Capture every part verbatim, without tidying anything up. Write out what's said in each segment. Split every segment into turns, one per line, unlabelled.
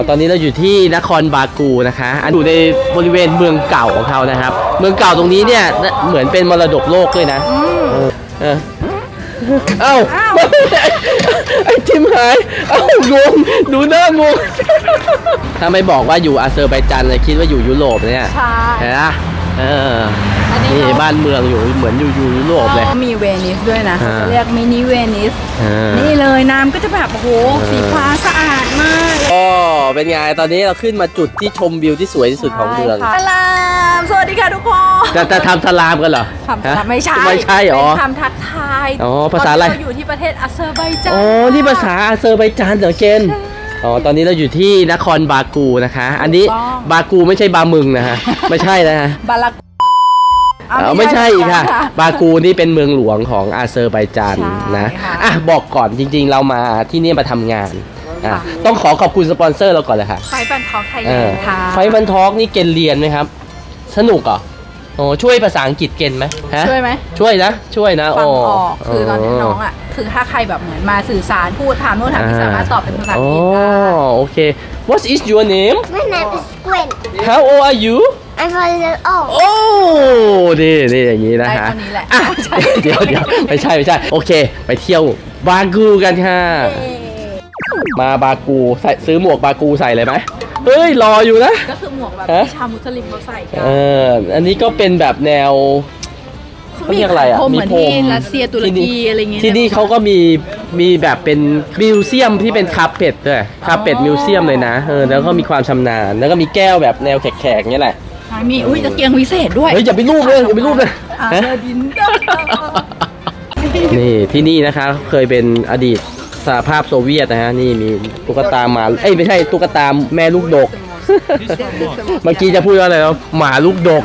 ตอนนี้เราอยู่ที่นครบากูนะคะอันอยู่ในบริเวณเมืองเก่าของเขานะครับเมืองเก่าตรงนี้เนี่ยเหมือนเป็นมรดกโลกด้วยนะเออเออเอ้าไอ้ทิมหายเอ้างงดูหน้างงถ้าไม่บอกว่าอยู่อาเซอร์ไบจานเลยคิดว่าอยู่ยุโรปเนี่ยใช่เห็นไหมเออนี่บ้านเมืองอยู่เหมือนอยู่อยู่ยุโรปเลย
มีเวนิสด้วยนะเรียกมินิเวนิสนี่เลยน้ำก็จะแบบโอ้โหสีฟ้าสะอาดมาก
อ๋อเป็นไงตอนนี้เราขึ้นมาจุดที่ชมวิวที่สวยที่สุดของเมือง
สลามสวัสดีค่ะทุกคน
จะจะทำสลามกันเหรอ
ไม่ใช่
ไม่ใช่หรอ
เป็นคำทักทาย
อ๋อภาษาอะไร
เราอยู่ที่ประเทศอาเซอร์ไบจาน
อ๋อนี่ภาษาอาเซอร์ไบจานเหรอเกนอ๋อตอนนี้เราอยู่ที่นครบากูนะคะอันนี้บากูไม่ใช่บามึงนะฮะไม่ใช่นะฮะ
บาลา
เออไม่ใช่ค่ะบากูนี่เป็นเมืองหลวงของอาเซอร์ไบจานนะอ่ะบอกก่อนจริงๆเรามาที่นี่มาทำงานอ่ะต้องขอขอบคุณสปอนเซอร์เราก่อนเลยค่ะ
ไฟบันทอกไทยแลนด์ค่ะ
ไฟบันทอกนี่เกณฑ์เรียนไหมครับสนุกเหรอโอ้ช่วยภาษาอังกฤษเกณฑ์ไหม
ช่วยไหม
ช่วยนะช่วยนะ
ฟังออกคือตอนนี้น้องอ่ะคือถ้าใครแบบเหมือนมาสื่อสารพูดถามโน้นถามนี่สามารถตอบเป็นภาษาอังกฤษได้
โอเค What is your name
My name is Gwen
How old are you
I'm five years old
โอ้นี่นี่อย่างนี้นะฮะเดี๋ยวเดี๋ยวไม่ใช่ไม่ใช่โอเคไปเที่ยวบากูกันค่ะมาบากูใส่ซื้อหมวกบากูใส่เลยไหมเฮ้ยรออยู่นะ
ก็คือหมวกแบบที่ชาวมุสลิมเขาใส่กัน
เอออันนี้ก็เป็นแบบแนวเขาเรียกอะไรอ่ะ
มีพรมรัสเซียตุรกีอะไรเงี้ย
ที่นี่เขาก็มีมีแบบเป็นมิวเซียมที่เป็นคาเป็ดด้วยคาเป็ดมิวเซียมเลยนะเออแล้วก็มีความชำนาญแล้วก็มีแก้วแบบแนวแขกๆนี่แหละ
มีอุ้ยตะเกียงวิเศษด้วย
เฮ้ยอย่าไปรูปเลยอย่าไปรูปเลยนี่ที่นี่นะคะเคยเป็นอดีตสหภาพโซเวียตนะฮะนี่มีตุ๊กตาหมาเอ้ยไม่ใช่ตุ๊กตาแม่ลูกดกเมื่อกี้จะพูดว่าอะไรนะหมาลูกดก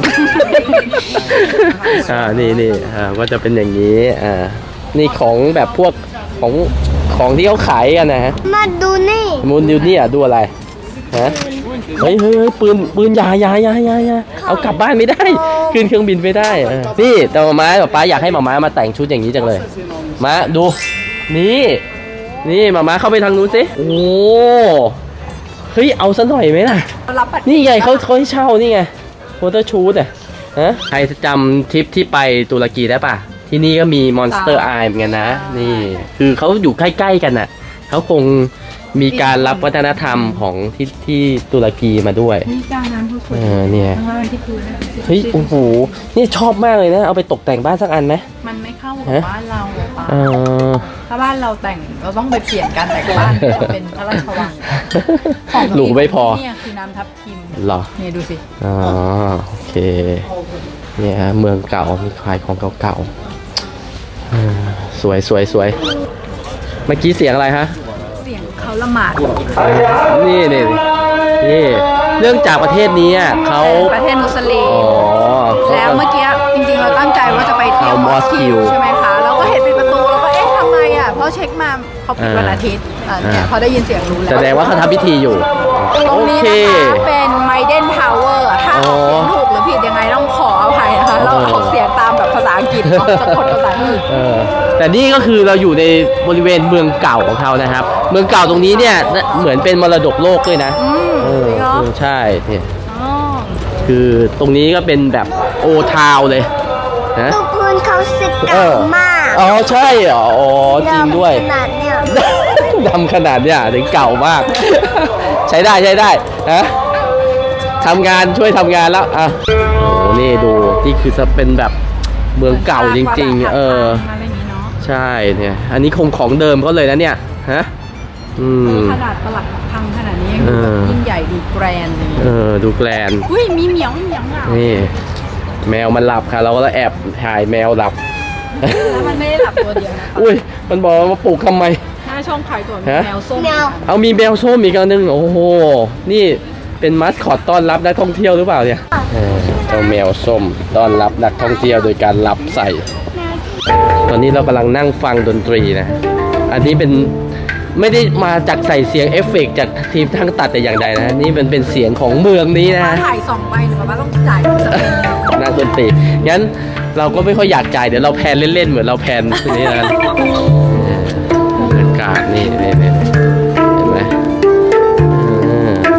อ่านี่นี่อ่าก็จะเป็นอย่างนี้อ่านี่ของแบบพวกของของที่เขาขายกันนะฮะ
มาดูนี่
มูนดูนี่อ่ะดูอะไรฮะเฮ้ยเฮ้ยปืนปืนยายายายายาเอากลับบ้านไม่ได้ขึ้นเครื่องบินไม่ได้นี่แต่หมาม้าป๊าอยากให้หมาม้ามาแต่งชุดอย่างนี้จังเลยมาดูนี่นี่หมาม้าเข้าไปทางนู้นสิโอ้เฮ้ยเอาซะหน่อยไหมล่ะนี่ไงเขาเขาให้เช่านี่ไงโฟโต้ชูตอ่ะฮะใครจำทริปที่ไปตุรกีได้ป่ะที่นี่ก็มีมอนสเตอร์ไอเหมือนกันนะนี่คือเขาอยู่ใกล้ๆกันน่ะเขาคงมีการรับวัฒนธรรมของที่ที่ตุรกีมาด้วยเออเนี่ยเฮ้ยโอ้โหนี่ชอบมากเลยนะเอาไปตกแต่งบ้านสักอันไหม
มันไม่เข้ากับบ้านเราป่ะถ้าบ้านเราแต่งเราต้องไปเปลี่ยนการแต่งบ้านเป็นพระราชวัง
ของหลูไม่พอ
เนี่ยคือน้ำทับทิม
หรอ
เนี่ยดูสิ
อ๋อโอเคเนี่ยฮะเมืองเก่ามีขายของเก่าๆสวยสวยสวยเมื่อกี้เสียงอะไรฮะ
เสียงเขาละหมาด
นี่นี่นี่เนื่องจากประเทศนี้เขา
ประเทศมุสลิมแล้วเมื่อกี้จริงๆเราตั้งใจว่าจะไปเที่ยวมอสคิวใช่ไหมคะเราก็เห็นปิดประตูเราก็เอ๊ะทำไมอ่ะเพราะเช็คมาเขาปิดวันอาทิตย์เนี่ยพอได้ยินเสียงรู้แล้ว
แสดงว่าเขาทำพิธีอยู่
ตรงนี้นะคะเป็นไมเดนทาวเวอร์ถ้าออกเสียงถูกหรือผิดยังไงต้องขออภัยนะคะเราออกเสียงตามแบบภาษาอังกฤษสะกดภาษาอังกฤษ
แต่นี่ก็คือเราอยู่ในบริเวณเมืองเก่าของเขานะครับเมืองเก่าตรงนี้เนี่ยเหมือนเป็นมรดกโลกด้วยนะ
เออ
ใช่เนี่ยคือตรงนี้ก็เป็นแบบโอทาวเลย
นะตัวพื้นเขาสึกเก่ามาก
อ๋อใช่เหรออ๋อจริงด้วย
ขนาดเนี้ย
ดำขนาดเนี้ยถึงเก่ามากใช้ได้ใช้ได้นะทำงานช่วยทำงานแล้วอ่ะโอ้นี่ดูนี่คือจะเป็นแบบเมืองเก่าจริงๆเออใช่เนี่ยอันนี้คงของเดิมเขาเลยนะเนี่ยฮะอืม
ขนาดประหลัดพังขนาดนี้ยังดูยิ่งใหญ่ดูแกรนเลย
เออดูแกรน
อุ้ยมีเหมียวเหมียวอ่ะ
นี่แมวมันหลับค่ะเราก็แอบถ่ายแมวหลับ
แล้วมันไม่ได้หลับตัวเดียวนะ
อุ้ยมันบอกว่าปลูกทำไม
หน้าช่องขายตัวแมวส้ม
เอามีแมวส้มอีกอันนึงโอ้โหนี่เป็นมัสคอตต้อนรับนักท่องเที่ยวหรือเปล่าเนี่ยเจ้าแมวส้มต้อนรับนักท่องเที่ยวโดยการหลับใส่ตอนนี้เรากำลังนั่งฟังดนตรีนะอันนี้เป็นไม่ได้มาจากใส่เสียงเอฟเฟกต์จากทีมทั้งตัดแต่อย่างใดนะนี่มันเป็นเสียงของเมืองนี้นะ
ถ่ายสองใบหรือว่าต้องจ่าย
นั่งดนตรีงั้นเราก็ไม่ค่อยอยากจ่ายเดี๋ยวเราแพนเล่นๆเหมือนเราแพนทีนี้นะบรรยากาศนี่นี่นี่เห็นไหม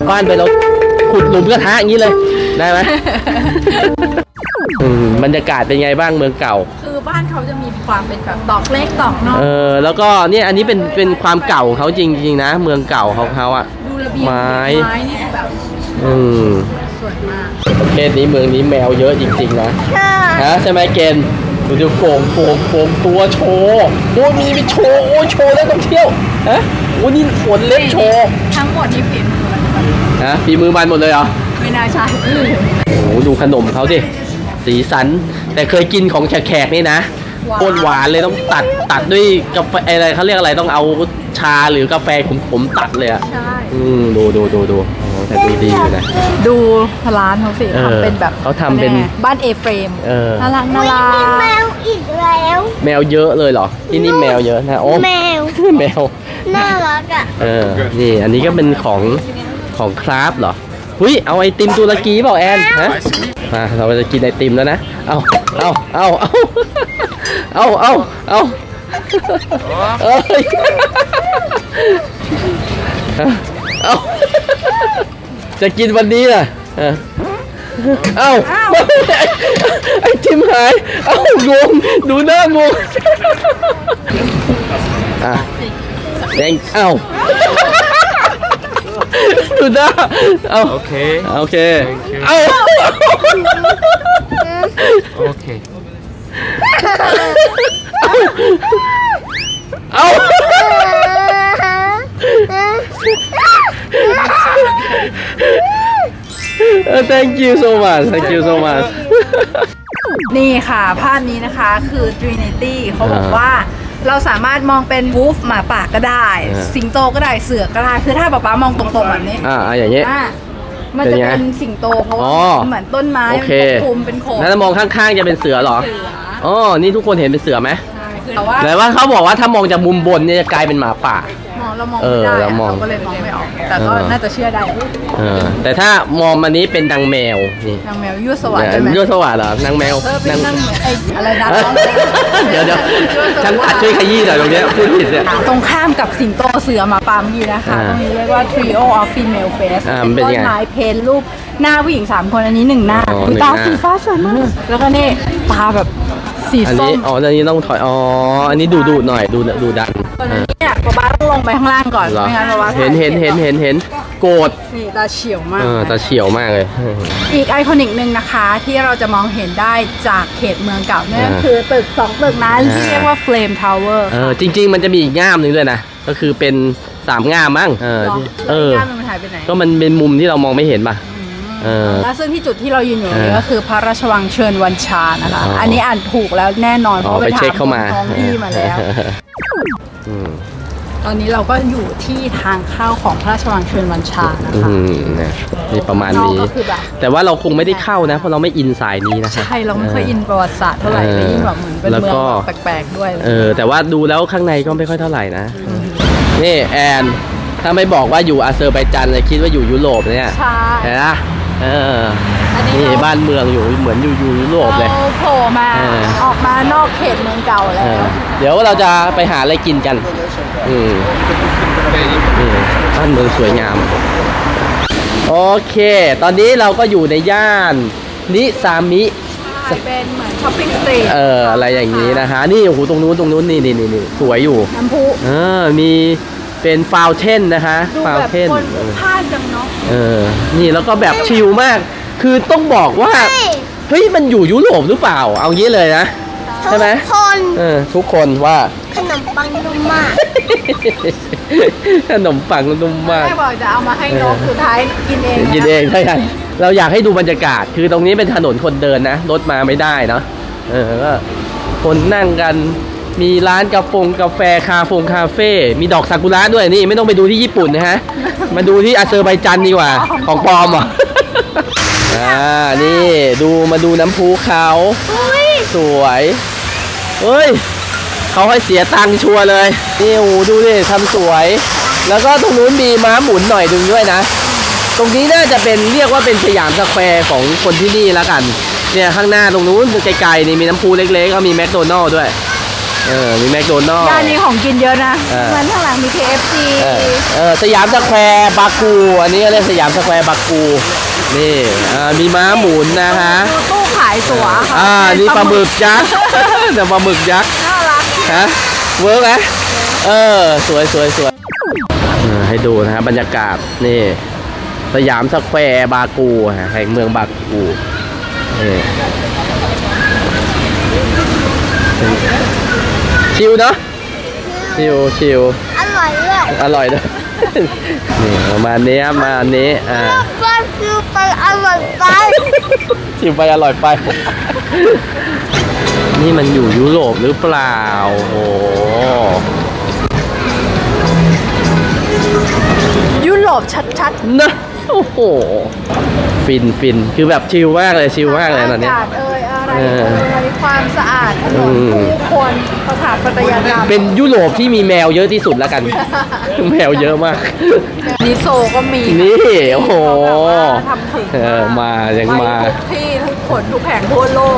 บบ้านไปเราขุดหลุมกระทะอย่างนี้เลยได้ไหม อืมบรรยากาศเป็นไงบ้างเมืองเก่า
คือบ้านเขาจะมีความเป็นแบบตอกเล็กตอกน้อย
เออแล้วก็เนี่ยอันนี้เป็นเป็นความเก่าของเขาจริงๆนะ เมืองเก่าของเขาอ่ะ
ดูระเบียง
ไม้
ไม้นี่แบบ
อืม
สวยมาก
ประเทศนี้เมืองนี้แมวเยอะจริงๆนะ
ค่ะ
ฮะใช่ไหมเกณฑ์ดูดูโป่งโป่งโป่งตัวโชว์โอ้มีไปโชว์โอ้โชว์แล้วต้องเที่ยวฮะโอ้นี่ขนเล็บโชว์
ทั้งหมดนี่ฝีมือมัน
ฮะฝีมือมันหมดเลยเหรอ
ไม่น่าใช่
โอ้ดูขนมเขาสิสีสันแต่เคยกินของแขกๆนี่นะโคตรหวานเลยต้องตัดตัดด้วยกาแฟอะไรเขาเรียกอะไรต้องเอาชาหรือกาแฟขมๆตัดเลยอ่ะ
ใช่
อืมดูดูดูดูโอ้แต่ดูดีอยู่นะ
ดูร้านเขาสิ
เออ
ทำเป็นแบบ
เขาทำเป็น
บ้านเอเฟรม
เออ
น่ารักน่า
อุ๊ย
รั
มีแม
ก
วอีกแล้ว
แมวเยอะเลยเหรอที่นี่แมวเยอะนะโอ้
แมว
แมว
น่ารักอ่ะ
เออ นี่อันนี้ก็เป็นของของคราฟเหรอหุยเอาไอติมตุรกีเปล่าแอนฮะมาเราจะกินไอติมแล้วนะ เอาเอาเอาเอาเอาเอาเอาเอ้ยเอาจะกินวันนี้น่ะเออเอาไอติมหาย เอางงดูหน้างงอ่ะแดงเอ้าดูหน้าเอา
โอเค
โอเค
Thank you
เอา
โอเค
เอา thank you so much thank you so much
นี่ค่ะภาพนี้นะคะคือ Trinity เขาบอก
อ่า
ว่าเราสามารถมองเป็นวูฟหมาป่าก็ได้
อ่า
สิงโตก็ได้เสือก็ได้คือถ้าป๊าป๊ามองตรงๆแบบนี้
อ่าอ่าอย่างเงี้ย
อ่ะมันจะ
เป็นไง
เป็นสิงโตเพราะว่า
อ๋อ
เหมือนต้นไม้
โอ
มัน
เค
ปกคลุมเป็นโขด
แล้วมองข้างๆจะเป็นเสือเหรอ
เสือ
อ๋อ นี่ทุกคนเห็นเป็นเสือไหม
ใช่คือแต่ว่า
แต่ว่าเขาบอกว่าถ้ามองจากมุมบนเนี่ยจะกลายเป็นหมาป่า
มองเรามอง
เอ
ไม่
อ
ได้
เรา
อะ
มอง
เราก็เลยมองไม่ออก แต่ก็
เออ
น่าจะเชื่อได้
เออ แต่ถ้ามองมานี้เป็นนางแมว นี่
นางแมวยั่วสวรรค์ใช่ไหม
ยั่วสวัสดิ์เหรอนางแมว
เออเป็นนางแมวไอ้อะไรนะ
เดี๋ยวเดี๋ยว
ยั่วสรรค์
ช่างตัดช่วยขยี้หน่อยตรงเนี้ยพูดผิดเนี่ย
ตรงข้ามกับสิงโตเสือหมาป่าเมื่อกี้นะคะ
อ่า
ตรงนี้เรียกว่า Trio of Female Face
อ่า
เป็น
เป็น
ต้น
ไง
ไม้เพนรูปหน้าผู้หญิงสามคนอันนี้หนึ่งหน้า
อ๋อ
คือ
หนึ่ง
ตา
หน้า
สีฟ้าสวยมาก แล้วก็นี่ตาแบบสี
อัน
ส้
นี้
ม
อ๋อ อันนี้ต้องถอย อ๋อ อันนี้ดูดูหน่อย ดูดูดัน
ตอนนี้เนี่ยป๊าป๊าต้องลงไปข้างล่างก่อน
เหรอ
ไม่งั้นป๊าป๊า
เห็นเห็นเห็นเห็นเห็นโกรธ
นี่ตาเฉียวมาก
เออตาเฉียวมากเลย
อีกไอคอนิกหนึ่งนะคะที่เราจะมองเห็นได้จากเขตเมืองเก่านั่น
อ่า
คือตึกสองตึกนั้นที่
อ่า
เรียกว่า Flame Tower
เออ จริง ๆ มันจะมีอีกง่ามหนึ่งด้วยนะ ก็คือเป็นสามง่ามมั้ง เออ
เหรอ
ที่
แล้ว
เอ
อี
อ
กด้านหนึงมันหายไปไหน
ก็มันเป็นมุมที่เรามองไม่เห็นป่ะ เออ
และซึ่งที่จุดที่เรายืนอยู่
เออ
นี้ก็คือพระราชวังเชิญวันชานะคะ
อ๋ออั
อันนี้อ่านถูกแล้วแน่นอนเพ
อ๋อ
ราะ
ไป
ไปถา
เช็ค
ม
เข้ามา
ท้องที่มาแล้ว
อืม
ตอนนี้เราก็อยู่ที่ทางเข้าของพระราชวังเชิญวันชานะ
อื
คะ
มเนี่ยนี่ประมาณ
นอก
นี้
ก็คือแบบ
แต่ว่าเราคงไม่ได้เข้านะ เพราะเราไม่อินสายนี้นะคะ
ใช่เราไม่ค่อยอินประวัติศาสตร์เท่าไหร่
เออ
แต่ยิ่งแบบเหมือนเป็น
แล้ว
เมือง
ก็
แบบแปลกๆด้วย
เออ แต่ว่าดูแล้วข้างในก็ไม่ค่อยเท่าไหร่นะ นี่แอน ถ้าไม่บอกว่าอยู่อาเซอร์ไบจานเลยคิดว่าอยู่ยุโรปเนี่ย
ใช่
เห็นปะเออ
อันนี้
นี่
เรา
บ้านเมืองอยู่เหมือนอยู่อยู่ยุโรปเลย
เราโผล่มา
เออ
ออกมานอกเขตเมืองเก่า
เอ
แล้ว
อเดี๋ยวเราจะไปหาอะไรกินกัน อืมนี่บ้านเมืองสวยงาม โอเค ตอนนี้เราก็อยู่ในย่านนิซามิ
ใช่เป็นเหมือนช้อปปิ้งสตรีท
เออ อะไรอย่างนี้นะคะ นี่โอ้โหตรงนู้นตรงนู้นนี่นี่นี่นี่สวยอยู่
น้ำพุ
เออ มีเป็นฟาวเทนนะคะ
ดู
ฟาว
แบบ
เทน
คนพลาดจังเนาะ
เออ นี่แล้วก็แบบชิลมาก คือต้องบอกว่า เฮ้ย มันอยู่ยุโรปหรือเปล่า เอางี้เลยนะ ใช่ไหม
ทุกคน
เออ ทุกคนว่า
ขนมปังนุ่มมาก
ขนมปังนุ่มมาก
แม่บอกจะเอามาให้นกสุดท้ายกินเองนะ
กินเองใช่ไหมเราอยากให้ดูบรรยากาศ คือตรงนี้เป็นถนนคนเดินนะ รถมาไม่ได้เนาะ เออ ก็คนนั่งกัน มีร้านกาแฟกาแฟคาเฟงคาเฟ่ มีดอกซากุระด้วยนี่ไม่ต้องไปดูที่ญี่ปุ่นนะฮะ มาดูที่อาเซอร์ไบจันดีกว่า ของปลอมเหรอ่ะ อ่า นี่ดูมาดูน้ำพุเขาสวย เฮ้ย เขาให้เสียตังค์ชัวร์เลย นี่โอ้โหดูดิทำสวย แล้วก็ตรงนู้นมีม้าหมุนหน่อยดึงด้วยนะ ตรงนี้น่าจะเป็นเรียกว่าเป็นสยามสแควร์ของคนที่นี่แล้วกัน เนี่ยข้างหน้าตรงนู้นไกลๆนี่มีน้ำพุเล็กๆก็มีแมคโดนัลด์ด้วยเออมีแมคโดนัลล์
ย่านนี้ของกินเยอะนะ
เออ
เหมือนข้างหลังมี เค เอฟ ซี
เออเออสยามสแควร์บากู อันนี้ก็เรียกสยามสแควร์บากูนี่อ่ามีม้าหมุนนะคะ
ดูตู้ขายตั๋วค่ะ
อ่านี่ปลาหมึกยักษ์ แต่ปลาหมึกยักษ์
น่ารัก
ฮะเวิร์กไหมเออสวยสวยสวยเออให้ดูนะครับบรรยากาศนี่สยามสแควร์บากูฮะแห่งเมืองบากูนี่ชิลเนาะชิลชิล
อร่อยเลย
อร่อยด้วย นี่ประมาณนี้ครับมาอันนี้อ่า
ก็คือไปอร่อยไป
ชิมไปอร่อยไป นี่มันอยู่ยุโรปหรือเปล่าโอ้โห
ยุโรปชัด
นะโอ้โหฟินฟินคือแบบชิลมากเลยชิล
ๆ
มากเลยตอนเนี้ย
อากาศเอ่ยอะไร
เออ
เอ่ยความสะอาดถนน
อืม
ผู้คนสถาปัตยกรรม
เป็นยุโรปที่มีแมวเยอะที่สุดแล้วกัน แมวเยอะมาก
นิโซก็มี
นี่โอ้โห
เขาแบบว่าทำถึง
เออมายังมา
ไปทุกที่ทุกขนทุกแห่งทั่วโลก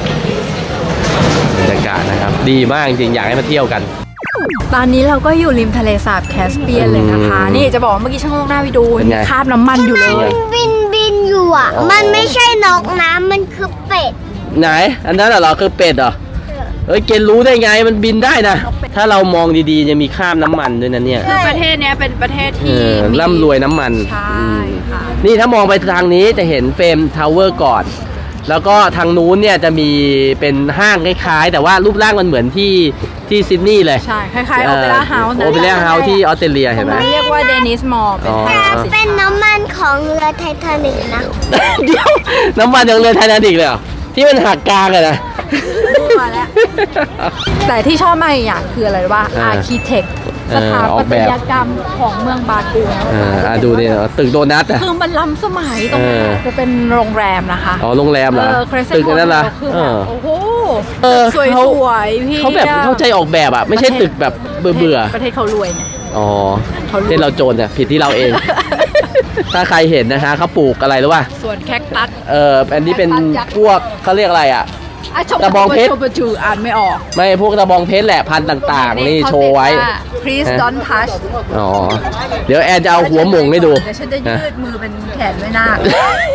บรรยากาศนะครับ ดีมากจริงๆอยากให้มาเที่ยวกัน
ตอนนี้เราก็อยู่ริมทะเลสาบแคสเปียนเลยนะคะ
อืม
นี่จะบอกว่าเมื่อกี้ช่างโงกหน้าไปดู
เป็นไง
มีคราบน้ำมันอยู่เลย
บินบินอยู่อ่ะ
อ๋อ
มันไม่ใช่นกน้ำมันคือเป็ด
ไหน อันนั้นเหรอคือเป็ดเหรอเอ้ยเกณฑ์รู้ได้ไงมันบินได้นะ ถ้าเรามองดีๆจะมีคราบน้ำมันด้วยนะเนี่ย
คือประเทศเนี้ยเป็นประเทศ
เอ
ที่
อ
มี
ร่ำรวยน้ำมัน
ใช่
อืม
ค่ะ
นี่ถ้ามองไปทางนี้จะเห็นเฟรมทาวเวอร์ก่อน แล้วก็ทางนู้นเนี่ยจะมีเป็นห้างคล้ายๆ แต่ว่ารูปร่างมันเหมือนที่ที่ซิดนีย์เลย
ใช่ คล้ายๆโอเปร่าเฮาส์
โอเปร่าเฮาส์ที่ออสเตรเลียเห็นไหม
เรียกว่าเดนิสมอลเป็น
อ๋อ
ห้าง
แต่เป็นน้ำมันของเรือไททานิกนะ
เดี๋ยวน้ำมันยังเรือไททานิกเลยเหรอที่มันหักกลางเลยนะ
มั่วแล้ว แต่ที่ชอบมากอีกอย่างคืออะไรรู้ป่ะ
อ่า
อาร์คิเทค
เอ
ส
อ
ถา
ออ
ปั
ก
ต
แบบ
ยกรรมของเมืองบากู
เอออ่ะดูนี่ตึกโดนัทอ่ะ
คือมันล้ำสมัยตรงนั้น
เออ
จะเป็นโรงแรมนะคะ
อ๋อโรงแรมเหรอ
เออ Crescent
ตึกนั้นล่ะ
Hotel คือ
เอ
แบบ
อ
โอ้โห
เออ
สวย
เขา
สวยๆพี่
เขาแบบเข้าใจออกแบบอ่ะ ไม่ใช่ตึกแบบเบื่อเบื่อ
ประเทศเขารวยไง
ๆอ๋อ
เขารวย
ที่เราโจรเนี่ยผิดที่เราเอง ถ้าใครเห็นนะคะเขาปลูกอะไรหรือว่า
ส่วนแคคตัส
เอออันนี้เป็นพวกเขาเรียกอะไรอ่ะ
อ่ะชม
กระบองเพชร
ชมจูอ่านไม่ออก
ไม่พวกตะบองเพชรแหละพันธุ์ต่างๆ นี่โชว์ไว้
please don't touch
อ๋อ เดี๋ยวแอนจะเอาหัวหม่งให้ดู
เดี๋ยวฉันจะยืดมือเป็นแขนไม่น่าค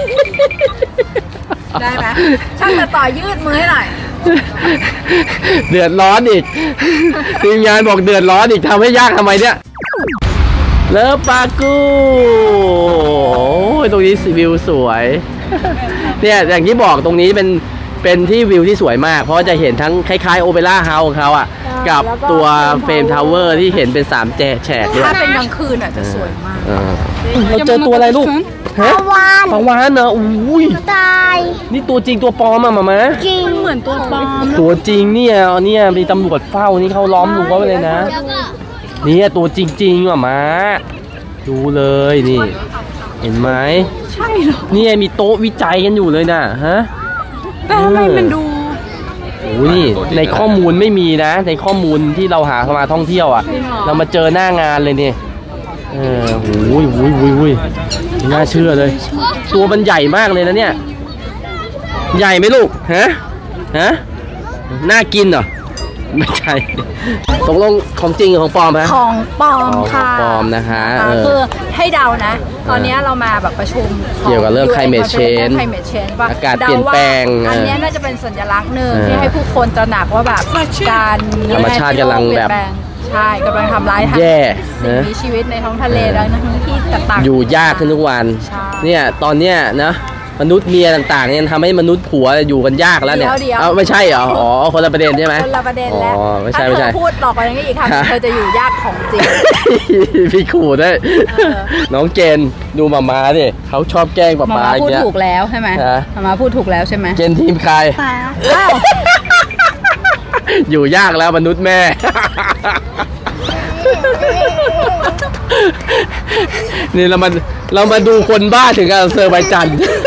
ได้ไหมช่างแต่ต่อยืดมือให้หน่อย
เดือดร้อนอีก ทีมงานบอกเดือดร้อนอีกทำให้ยากทำไมเนี่ยเลิฟปากูโอ้ยตรงนี้วิวสวย เนี่ยอย่างที่บอกตรงนี้เป็นเป็นที่วิวที่สวยมาก เพราะว่าจะเห็นทั้งคล้ายๆโอเปร่าเฮาส์ของเขาอ่ะ กับ
แล้วก็
ตัวเฟรมทาวเวอร์ที่เห็นเป็นสามแจกแฉกด้วย
ถ้าเป็นกลางคืนอ่ะจะสวยมาก
เออเราเจอตัวอะไรลูกฮะ
ปลาวาฬ
ปลาวานเนอะอุ้ย
ตาย
นี่ตัวจริงตัวปลอมอะมามะ
จริง
เหมือนตัวปลอม
ตัวจริงเนี่ยเนี่ยมีตำรวจเฝ้านี่เขาล้อมรั้วไว้เลยนะเนี่ยตัวจริงๆอ่ะมาดูเลยนี่ เห็นไหม
ใช่เหรอ
เนี่ยมีโต๊ะวิจัยกันอยู่เลยนะฮะ
แต่ทำไมมันดู
โอ้ยในข้อมูลไม่มีนะ ในข้อมูลที่เราหาเข้ามาท่องเที่ยวอ่ะ
จริงเหรอ
เรามาเจอหน้างานเลยเนี่ยเออโอ้ยโอ้ยโอ้ยโอ้ยไม่น่าเชื่อเลย ตัวมันใหญ่มากเลยนะเนี่ย ใหญ่ไหมลูกฮะฮะน่ากินเหรอไม่ใช่ตกลงของจริงหรือของปลอมฮะ
ของปลอม
อ๋อ
ค่ะ
ของปลอมนะคะเออ
คือให้เดานะ ตอนนี้เรามาแบบประชุมข
เกี่ยวกับเรื่อง climate change
climate change ว่า
อากาศเปลี่ยนแปลง
เดาว่าอัน
เออ
เนี้ยน่าจะเป็นสัญลักษณ์หนึ่ง
เออ
ที่ให้ผู้คนตระหนักว่าแบบการ
ธรรมชาติกำลังแบบ
เปลี่ยนปงใช่กำลังทำร้ายทั้ง
แย่
สิ่ง
นะ
มีชีวิตในท้องทะเลแล้วทั้งที่ต่างๆ
อยู่ยากขึ้นทุกวัน
ใช่
เนี่ยตอนเนี้ยนะมนุษย์เมียต่างๆเนี่ยทำให้มนุษย์ผัวอยู่กันยากแล้วเนี่ย
เดี๋ยวเดี๋ยว
เอาไม่ใช่เหรออ๋อคนละประเด็นใช่ไหม
คนละประเด็นแล้ว
อ๋อไม่ใช่
ถ้า
ไม่
เธ
ใช่
อพูดต่อไปนี้อีกคำ
ฮะ
เธอจะอยู่ยากของจริง
พี่ขู่ด้วย
เออ
น้องเจนดูมาม่าดิเขาชอบแกล้งป๊า
มา
ป๊า
มา
อย่า
พู
ง
ด
เงี้ย
ถูกแล้วใช่ไหม
ฮะ
มามาพูดถูกแล้วใช่ไหม
เจนทีมใคร
อ้าว
อยู่ยากแล้วมนุษย์แม่ นี่เรามาเรามาดูคนบ้าถึงกับเซอร์ไบจัน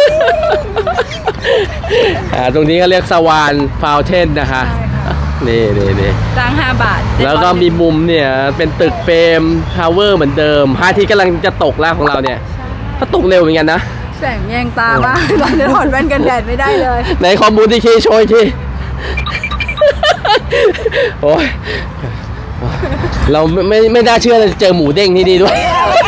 อ่าตรงนี้ก็เรียกสวานฟาวเทนนะคะ นี่นี่นี่
จ้างห้าบาท
แล้วก็มีมุมเนี่ยเป็นตึกเฟรมทาวเวอร์เหมือนเดิมพระอาทิตย์กำลังจะตกแล้วของเราเนี่ยก็ตกเร็วเหมือนกันนะ
แสงแยงตามากตอนนี้ถอดแว่นกันแดดไม่ได้เลย
ในข้อมูลที่คีโชยทีโอ้ยเราไม่ไม่ไม่น่าเชื่อเลยเจอหมูเด้งที่นี่ด้วย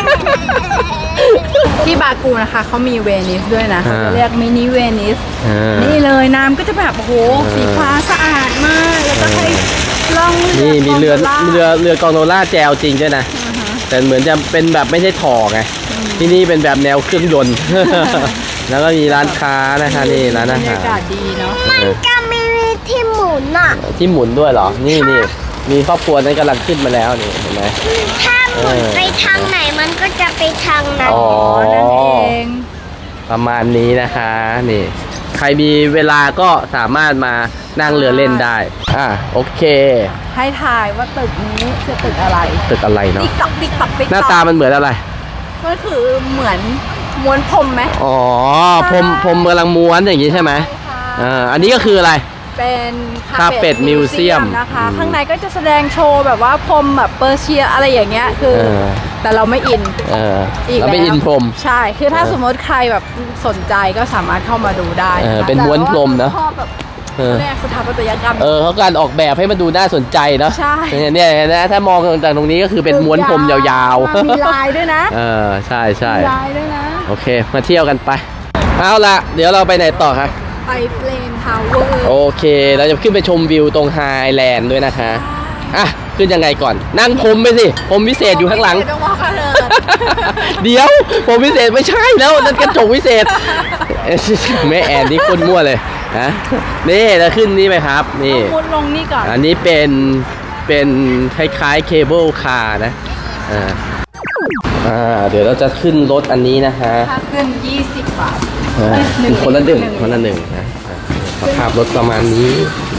ที่บากูนะคะเขามีเวนิสด้วยนะ
อ่า
เขาเรียกมินิเวนิส
อ่า
นี่เลยน้ำก็จะแบบโอ้โห
อ่า
สีฟ้าสะอาดมาก แล้วก็ให้ล่องเรือ
นี่มีเรือ
คอนโดล่า
เรือเรือกอนโดล่าแจวจริงด้วยนะ
อ่าฮะ
แต่เหมือนจะเป็นแบบไม่ใช่ถ่อไง ที่นี่เป็นแบบแนวเครื่องยนต์ แล้วก็มีร้านค้านะคะนี่ร้าน
บร
อาร
ยา
หาร
กาศดีเนาะ
เออ
ก็มีที่หมุนอ่ะ
ที่หมุนด้วยเหรอ นี่นี่มีครอบครัวนั้นกำลังขึ้นมาแล้วนี่เห็นไหม
ถ้าหมุน
เออ
ไปทางไหนมันก็จะไปทางนั้น
อ๋อ
นั่นเอง
ประมาณนี้นะคะนี่ ใครมีเวลาก็สามารถมานั่งเรือเล่นได้ อ่ะโอเค
ให้ทายว่าตึกนี้คือตึกอะไร
ตึกอะไรเนาะ
ติ๊กตอกติ๊กตอกติ๊ก
หน้าตามันเหมือนอะไร
ก็คือเหมือนม้วนพรมไหม
อ๋อพรมพรมกำลังม้วนอย่างนี้ใช่ไหม
ค่ะ
อ่าอันนี้ก็คืออะไร
เป็น
Carpet Museum
นะคะ
อืม
ข้างในก็จะแสดงโชว์แบบว่าพรมแบบเปอร์เซียอะไรอย่างเงี้ยคือ
เออ
แต่เราไม่อิน
เออ
อีก
เราไม่
แล้ว
อินพรม
ใช่ คือถ้า
เออ
สมมติใครแบบสนใจก็สามารถเข้ามาดูได้
เออ
นะคะ
เป็นม้วนพรมเนอะ
แต่ว่าชอบแบบ
เออ
แรกสถาปัตยกรรม
เออเขาการออกแบบให้มันดูน่าสนใจเนาะ
ใช่
เนี่ยเนี่ยนะถ้ามองจากตรงนี้ก็คือเป็นม้วนพรมยาวๆ
มีลายด้วยนะ
เออใช่ใช่
มีลายด้วยนะ
โอเค มาเที่ยวกันไปเอาละเดี๋ยวเราไปไหนต่อคะ
ไปเฟลมทาวเวอร์
โอเค เราจะขึ้นไปชมวิวตรงไฮแลนด์ด้วยนะคะอ่ะขึ้นยังไงก่อน นั่งพรมไปสิพรมวิเศษอยู่ข้างหลัง
ต้องว่ากันเลย
เดี๋ยวผมวิเศษไม่ใช่แล้วนั่นกระจกวิเศษเอ้ยแม่แอนนี่คนมั่วเลยฮะนี่เราขึ้นนี่ไหมครับนี่
มุดลงนี่ก่อน
อันนี้เป็นเป็นคล้ายๆเคเบิลคาร์นะอ่าอ่าเดี๋ยวเราจะขึ้นรถอันนี้นะคะ
ค่าขึ้นยี่สิบบาท
อ่า
เอ้ยหนึ่ง
คนละหนึ่ง
หนึ่ง
คนละหนึ่งนะอ่าสภาพรถประมาณนี้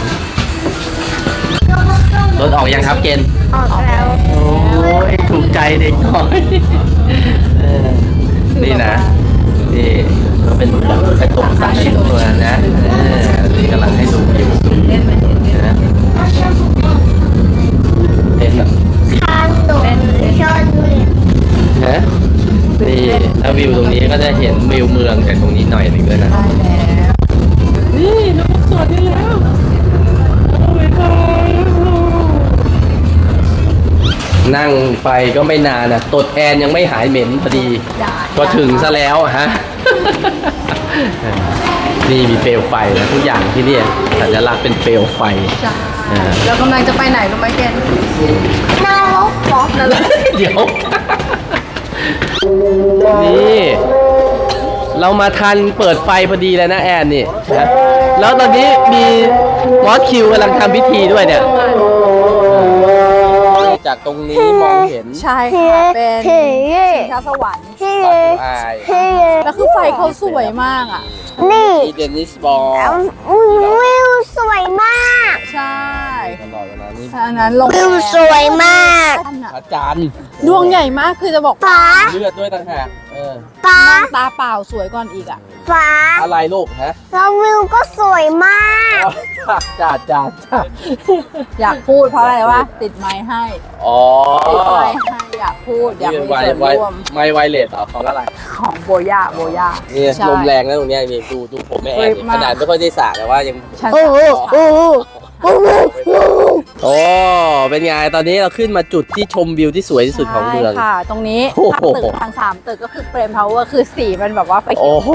รถออกยังครับเกณฑ์
ออกแล้ว
โอ้ยถูกใจเด็กน้อยเออนี่นะ นี่ก็เป็นแบบกระจกใสตัวนะเออนี่กำลังให้ดูอยู่
เล่นไปเล่น
นะเป็นแบบ
ทางตรงชนเลย
นะนี่ถ้าวิวตรงนี้ก็จะเห็นวิวเมืองจากตรงนี้หน่อยหนึ่งด้วยนะ
ได้แล้ว
นี่น้องสดได้แล้วนั่งไปก็ไม่นานนะตดแอนยังไม่หายเหม็นพอดี
ได้
ก็ถึงซะแล้วฮะ นี่มีเปลวไฟนะทุกอย่างที่นี่สัญลักษณ์เป็นเปลวไฟ
ใช่
อ่า
เรากำลังจะไปไหนรู้ไหมเกณฑ์
นรกเหรอ
นั่นแหละ
เดี๋ยว นี่ เรามาทันเปิดไฟพอดีแล้วนะแอนนี่นะแล้วตอนนี้มีมอสคิวกำลังทำพิธีด้วยเนี่ย จากตรงนี้มองเห็น
ใช่ค่ะ เป็นชิงช้าสวรรค์
เฮ้
บากูอาย
เฮ้
แล้วคือไฟเขาสวยมากอ่ะ
นี่
ที่เดนิสบอล
วิวสวยมาก
ใช่
ตลอดเวลานี้
อันนั้นลง
วิวสวยมาก
พระจันทร์
ดวงใหญ่มากคือจะบอก
ฟ้า
เลือดด้วยต่างหากเออ
ฟ้า
ตาเปล่าสวยก่อนอีกอ่ะ
ฟ้า
อะไรลูกฮะ
แล้ววิวก็สวยมาก
จ้าจ้าจ้า
อยากพูดเพราะอะไรวะติดไม้ให้
อ๋อ
ติดไม้ให้อยากพูดอยาก
นี่
มี
ไว
ส่วน
ไว
ร่วม
ไม่ไวเลสเหรอของอะไร
ของโบย่าโบย่า
นี่
ใช่
ลมแรงนะตรงเนี้ยนี่ดูดูผมไม่แอน
เฮ้ย
นี่
มาก
ขนาดไม่ค่อยได้สระแต่ว่ายัง
ฉัน
โอ้โหโอ้โหโอ้โหโอ้โห
โอ้เป็นไงตอนนี้เราขึ้นมาจุดที่ชมวิวที่สวยที่สุดของเมือง
ใช่ค่ะ ตรงนี้
โอ้โห
ทางตึกทางสามตึกก็คือเฟรมทาวเวอร์คือสีมันแบบว่าไฟเขี
โอ้
ยว
โห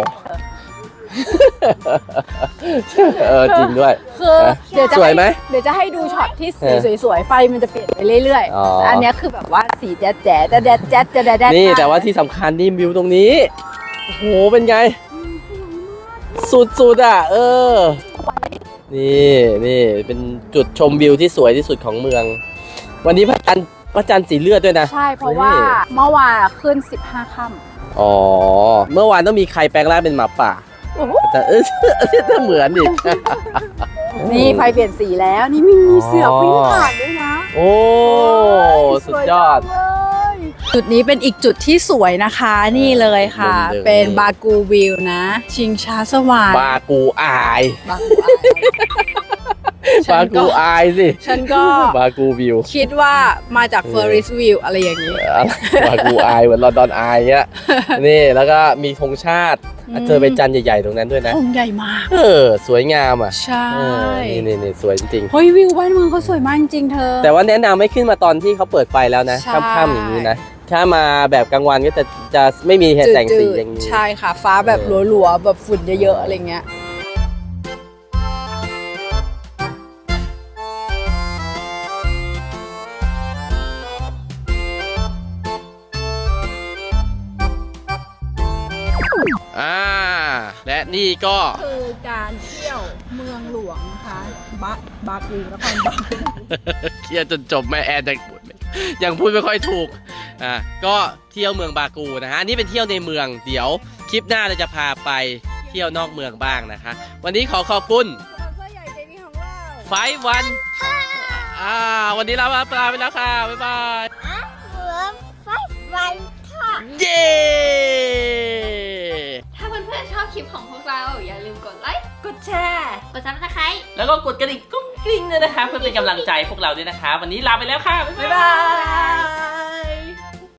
เออจริงด้วย
คือ
นะ
เดี๋ยวจะ
สวยไหม
เดี๋ยวจะให้ดูช็อตที่
เอ
สี
อ
สวยๆไฟมันจะเปลี่ยนไปเรื่อย
อ๋อ
ๆแต่อันเนี้ยคือแบบว่าสีแจ๊ดแจ๊ดแจ๊ดแจ๊ดแจ๊ดแจ๊ดแจ๊ด
นี่แต่ว่าที่สำคัญนี่วิวตรงนี้ โอ้โห เป็นไง สุดๆอ่ะ เออ นี่นี่เป็นจุดชมวิวที่สวยที่สุดของเมือง วันนี้พระจันทร์พระจันทร์สีเลือดด้วยนะ
ใช่เพราะว่าเมื่อวานอะขึ้นสิบห้าค่ำ
อ๋อ เมื่อวานต้องมีใครแปลงร่างเป็นหมาป่า
โอ้โห
แต่เออถ้าเหมือนดิ
นี่ไฟเปลี่ยนสีแล้วนี่มีมีเสือวิ่งผ่านด้วยนะ
โอ้ สุดยอด
สวยจังเลยจุดนี้เป็นอีกจุดที่สวยนะคะนี่เลยค่ะ
เดิมๆ
เป็นบากูวิวนะ ชิงช้าสวรรค์
บากูอาย
บากูอาย
บากูอายสิ
ฉันก็
บากูวิว
คิดว่ามาจากเฟอร์ริสวิวอะไรอย่างนี้
บากูอายเหมือนลอนดอนอายเงี้ยนี่แล้วก็มีธงชาติเจอเป็นจันทร์ใหญ่ๆตรงนั้นด้วยนะ
องค์ใหญ่มาก
เออสวยงามอ่ะ
ใช่
เออนี่นี่นี่สวยจริง
เฮ้ยวิวบ้านเมืองเขาสวยมากจริงๆเธอ
ๆแต่ว่าแนะนำไม่ขึ้นมาตอนที่เขาเปิดไฟแล้วนะ
ใช่
ค่ำๆอย่างนี้นะถ้ามาแบบกลางวันก็จะจะไม่มีแสงสีอย่างนี้
ใช่ค่ะ ฟ้าแบบหลัวๆแบบฝุ่นเยอะๆอะไรเงี้ย
อ่าและนี่ก็
คือการเที่ยวเมืองหลวงนะคะบาบากูนครบาล
เคลียร์จนจบแม่แอนยังพูดไม่ยังพูดไม่ค่อยถูกอ่าก็เที่ยวเมืองบากูนะฮะอันนี้เป็นเที่ยวในเมืองเดี๋ยวคลิปหน้าเราจะพาไปเที่ยวนอกเมืองบ้างนะคะ วันนี้ขอขอบคุณ
สปอนเซอร์ใหญ่ใจดีของเรา
ไฟวันอ่าวันนี้เราลาไปแล้วค่ะบ๊ายบาย
เหลือไฟวันค่ะ
เย้
ถ้าเพื่อนๆชอบคลิปของพวกเรา อย่าลืมกดไลค์
กดแชร์
กดซับสไครต์
แล้วก็กดกระดิ่งกุ้งกริ้งด้วยนะคะเพื่อเป็นกำลังใจพวกเราด้วยนะคะ วันนี้ลาไปแล้วค่ะบ๊าย
บ๊าย
บา
บาย ย